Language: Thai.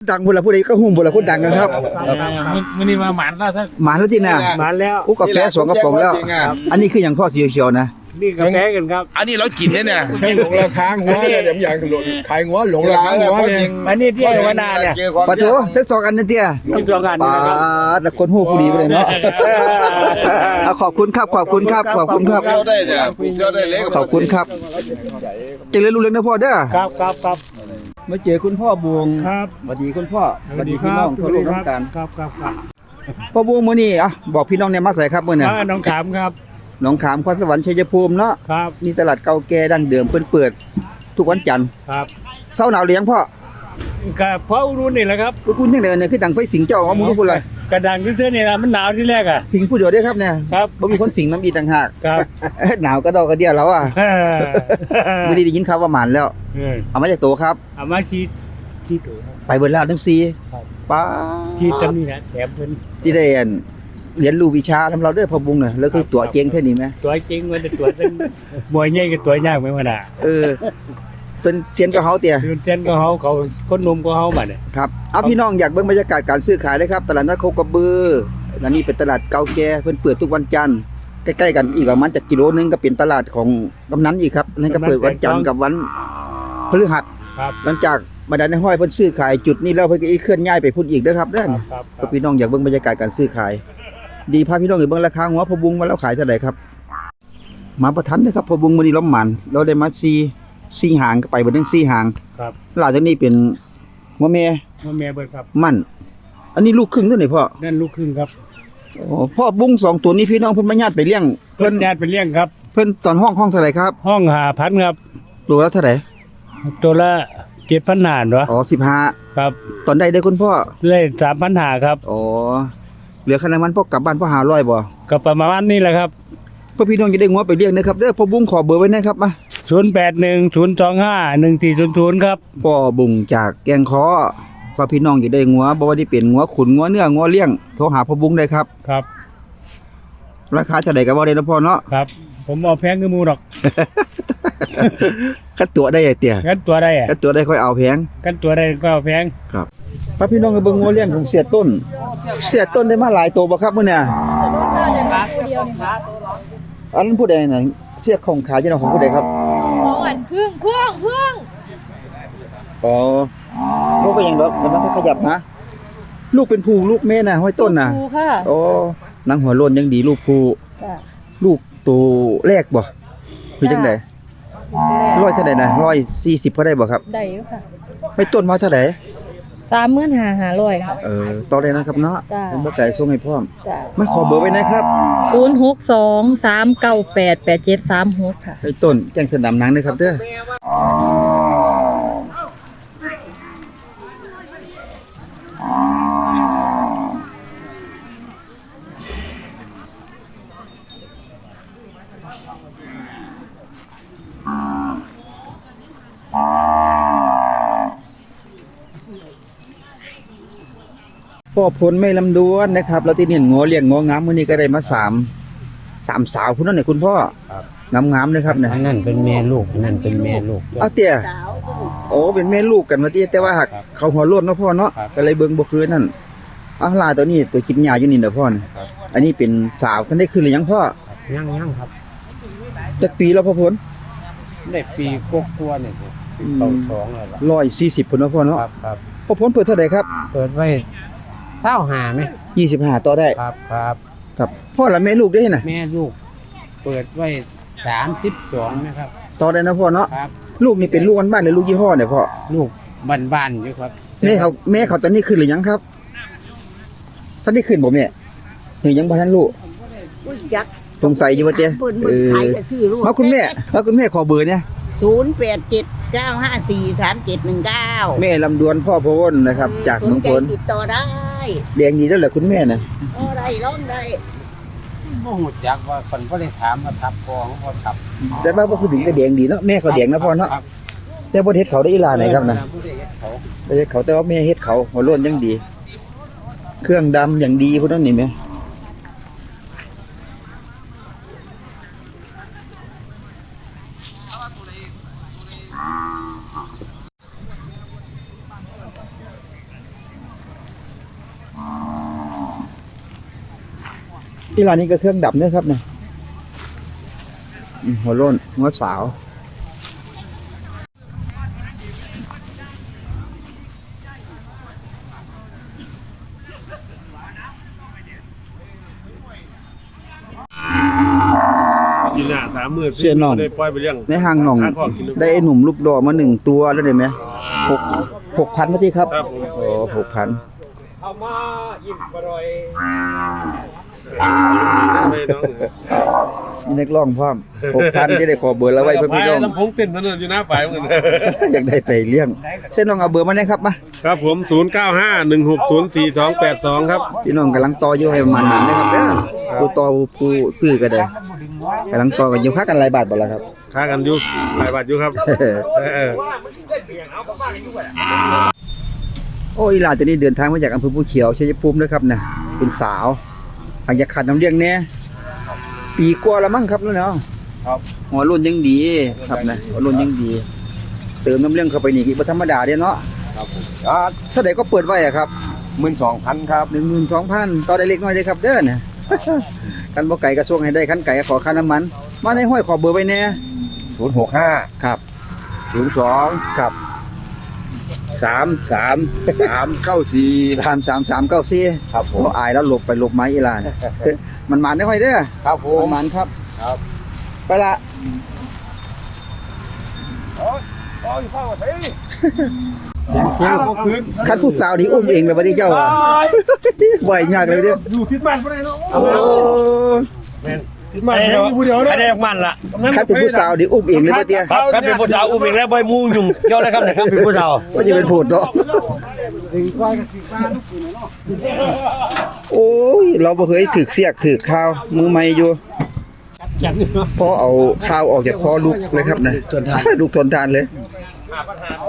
ดังบุละผู้ใดก็หุ่มบุละผู้ดังนะครับมันนี่มาหมันแล้วท่านหมาแล้วที่น่ะหมันแล้วกูกาแฟสองกระป๋องแล้ว อันนี้คืออย่างพ่อเสียวๆนะนี่กาแฟกันครับอันนี้เรากินเนี่ยทั้งหลงราคาหัวเนี่ยเดี๋ยวอย่างขายหัวหลงราคาหัวเนี่ยอันนี้ที่วนาเนี่ยปะโถทั้งสองอันนั่นเตี้ยที่สองกันปาแต่คนหูผู้ดีไปเลยเนาะเอาขอบคุณครับขอบคุณครับขอบคุณครับเจ้าได้เนี่ยเจ้าได้เล็กขอบคุณครับเจริญรุ่งเรืองนะพ่อเด้อครับครับครับมาเจอคุณพ่อบวงครับสวัสดีคุณพ่อสวัสดีพี่น้องทั่วโลกทั้งการครับครับครับพ่อบวงมื้อนี้อ่ะบอกพี่น้องเนี่ยมาใส่ครับมื้อนี้น้องขามครับหนองขามคอนสวรรค์ชัยภูมิเนาะครับนี่ตลาดเก่าแก่ดั้งเดิมเพิ่นเปิดทุกวันจันทร์ครับเช้าหนาวเลี้ยงพ่อกับพ่อรุ่นนี่แหละครับคุณจังได๋เนี่ยคือดังไฟสิงเจ้าเอาหมู่ทุกคนเลยกระดังที่เสื้อนี่นะมันหนาวที่แรกอ่ะสิงผู้เดียวเด้อครับเนี่ยครับบ่มีคนสิงน้ำอีกต่างหากครับหนาวก็ดอกกระเดียวแล้วอ่ะไม่ได้ยินข่าวว่าหมานแล้ว เอามาจากโตครับเอามาที่ตัวไปเบิดแล้วทั้ง4 ครับป้าที่ตำนี่นะแถมเพิ่นที่ได้เรียนรู้วิชาทำเราเด้อพ่อบุงน่ะแล้วคือตัวเจงแท้นี่แม่ตัวจริงมันจะตัวเป็นมวยใหญ่กับตัวยากไหมวะน่ะเออเป็นเซียนกับเฮาเตี่ยยืนเต้นก็เขาคนนมก็เขาบัดเนี่ยครับเอาพี่น้องอยากเบิ่งบรรยากาศการซื้อขายเลยครับตลาดนัดโคกระบืออันนี้เป็นตลาดเก่าแก่เพิ่นเปิดทุกวันจันทร์ใกล้ๆกันอีกประมาณจากกิโลนึงก็เป็นตลาดของกำนันอีกครับนั่นก็เปิดวันจันทร์กับวันพฤหัสครับหลังจากบรรดาในห้อยเพิ่นซื้อขายจุดนี้แล้วเพิ่นก็อีกเคลื่อนย้ายไปพุ่นอีกเด้อครับเด้อครับก็พี่น้องอยากเบิ่งบรรยากาศการซื้อขาย ดีพาพี่น้องไปเบิ่งราคาหัวพะบุงว่าแล้วขายเท่าไหร่ครับมาประทันเด้อครับพะบุงมื้อนี้ล้อมหมันเราได้มา4หางก็ไปเบ่ถึง4หางครับหลายตัวนี้เป็นหัวแม่ว่าแม่เบิดครับมั่นอันนี้ลูกครึ่งเด้อนี่พ่อนั่นลูกครึ่งครับโอ้พ่อบุ้ง2ตัวนี้พี่น้องเพิ่นมาญาติไปเลี้ยงเพิ่เพิ่นนญาติเป็นเลี้ยงครับเพิ่นตอนห้องเท่าไหร่ครับห้อง5,000ครับตัวละเท่าไหร่ตัวละ7,000หารวะอ๋อครับ 15ตอนใดได้คุณพ่อได้3,000หาครับอ๋อเหลือขนาดมันพ่อกลับบ้านพ่อ500บ่ก็ประมาณนี้แหละครับพ่อพี่น้องจะได้งัวไปเลี้ยงนะครับเด้อพ่อบุ้งขอเบอร์ไว้นะครับมา 0810251400ครับพ่อบุ้งจากแกงค้อพ่อพี่น้องจะได้งัวบ่ว่าที่เป็นงัวขุนงัวเนื้องัวเลี้ยงโทรหาพ่อบุ้งได้ครับครับราคาเท่าใดก็บ่ได้นะพ่อเนาะครับ ผมเอาแพงคือหมูดอกคัดตัวได้ไอ้เตี้ยกันตัวได้อะคัดตัวได้ค่อยเอาแพงกันตัวได้ก็เอาแพงครับพ่อพี่น้องก็เบิ่งงัวเลี้ยงของเสียต้น เสียต้นได้มาหลายตัวบ่ครับมื้อเนี่ยอันนั้นผู้ใดน่ะเสียของขายที่เราของผู้ใดครับของอันพึ่งอ๋อบ่เป็นหยังดอกมันต้องขยับนะลูกเป็นผู้ลูกแม่น่ะห้อยต้นน่ะครูค่ะอ๋อหนังหัวโล้นยังดีลูกผู้จ้ะลูกตัวแรกบ่คือจังได๋100เท่าใดนะ140พอได้บ่ครับได้อยู่ค่ะห้อยต้นมาเท่าใด 35,500ค่ะต่อได้นะครับเนาะจ้ะผมบ่ไกลส่งให้พร้อมจ้ะมาขอเบอร์ไว้นะครับ 0623988736ค่ะห้อยต้นแจ้งสนามหนังนะครับเด้อพ่อผลไม่ลำดวนนะครับเราที่นี่งัวเลี้ยงงัวงามมื้อนี้ก็ได้มาสามสาวพุ่นนั่นนี่คุณพ่องามๆเลยครับเนี่ยอันนั้นเป็นแม่ลูกอันนั้นเป็นแม่ลูกเอาเตี้ยโอ้เป็นแม่ลูกกันมาเตี้ยแต่ว่าหักเขาหัวโล้นเนาะพ่อเนาะก็เลยเบิ่งบ่คือนั่นเอาลาตัวนี้ตัวกินหญ้าอยู่นี่เด้อพ่อนี่อันนี้เป็นสาวท่านได้คืนหรือยังพ่อยังครับจักปีแล้วพ่อผลได้ปีกว่าเนี่ยเข้า2แล้วล่ะ 140พุ่นเนาะพ่อเนาะครับพ่อผลเปิดเท่าใดครับเปิดไว้25มั้ย 25ต่อได้ครับครับพ่อละแม่ลูกได้น่ะแม่ลูก เปิดไว้32นะครับต่อได้นะพ่อเนาะครับลูกนี่เป็นลูกบ้านๆหรือลูกยี่ห้อเนี่ยพ่อลูกบ้านๆอยู่ครับแม่เขาตอนนี้คืนหรือยังครับท่านได้คืนบ่แม่หรือยังบ่ทันรู้สงสัยอยู่ว่าเตี้ยมาคุณแม่ขอเบอร์เนี่ย 0879543719 แม่ลำดวนพ่อพะวนนะครับ จากสเมืนองใจพลติดต่อได้แดงดีแล้วแหละคุณแม่น่ะได้ร้องได้บ่ฮู้จักว่าเพิ่นบ่ได้ถามว่าทับกองบ่ทับแต่ว่าพูดถึงก็แดงดีเนาะแม่เขาแดงนะพ่อเนาะครับแต่บ่เฮ็ดเขาได้อีหลาไหนครับนะผู้ใดเฮ็ดเขาบ่เฮ็ดเขาแต่ว่าแม่เฮ็ดเขาหัวโล้นยังดี เครื่องดำอย่างดีพุ่นนั่นนี่แม่ที่ร้านนี้ก็เครื่องดับเนี่ยครับเนี่ยหัวโล้นหัวสาวเสียน้องในห้างหนองได้ไอ้หนุ่มรูปดอมา1ตัวแล้วได้ไหม6,000มาที่ครับโอ้6,000มีนักร้องพร้อม6,000จะได้ขอเบอร์แล้วไว้เพื่อนพี่น้องลำโพงเต้นนั่นอยู่หน้าฝ่ายเหมือนกันอยากได้ไปเลี้ยงเส้นน้องเอาเบอร์มาได้ครับมาครับผม 0951604282 ครับพี่น้องกำลังต่ออยู่ให้ประมาณนั้นนะครับเด้อผู้ต่อผู้ซื้อก็ได้กำลังต่อกันอยู่ค่ากันหลายบาทบ่ล่ะครับค้ากันอยู่หลายบาทอยู่ครับเออโอ้อีหลานตัวนี้เดินทางมาจากอำเภอภูเขียวชัยภูมินะครับนะเป็นสาวหลังจากขาดน้ำเลี้ยงแน่ปีกว่าแล้วมั้งครับแล้วเนาะครับหัวรุ่นยังดีครับนะหัวรุ่นยังดี เติมน้ำเลี้ยงเข้าไปนี่บ่ธรรมดาเด้เนาะครับผมเท่าใดก็เปิดไว้อะครับ 12,000ครับ 12,000ต่อได้เล็กน้อยเด้ครับเด้อนะ กันบ่ไก่กระทรวงให้ได้คันไก่ขอค่าน้ำมันมาในห้อยขอเบอร์ไว้แน่ 065 ครับ 02 ครับ 3394 3394ครับผมอายแล้วหลบไปหลบไม้อีหลาน มันมาได้ค่อยเด้อครับผมมันครับครับไปละ คันผู้สาวนี่อุ้มเองเลยบ่ได้เจ้าอ่ะบ่อยยากเลยเด้ออยู่ที่บ้านบ่ได้เนาะโอ้ที่บ้านอยู่ผู้เดียวเนาะใครได้ออกมันล่ะคันเป็นผู้สาวนี่อุ้มเองเลยบ่เตี้ยครับครับเป็นผู้สาวอุ้มเองแล้วบ่มูยุ่งเกี่ยวนะครับนะครับเป็นผู้สาวบ่จะเป็นโพดเนาะโอ้ยเราบ่เคยถึกเสียกถึกข้าวมือใหม่อยู่พอเอาข้าวออกจากคอลูกเลยครับนะทนทานลูกทนทานเลย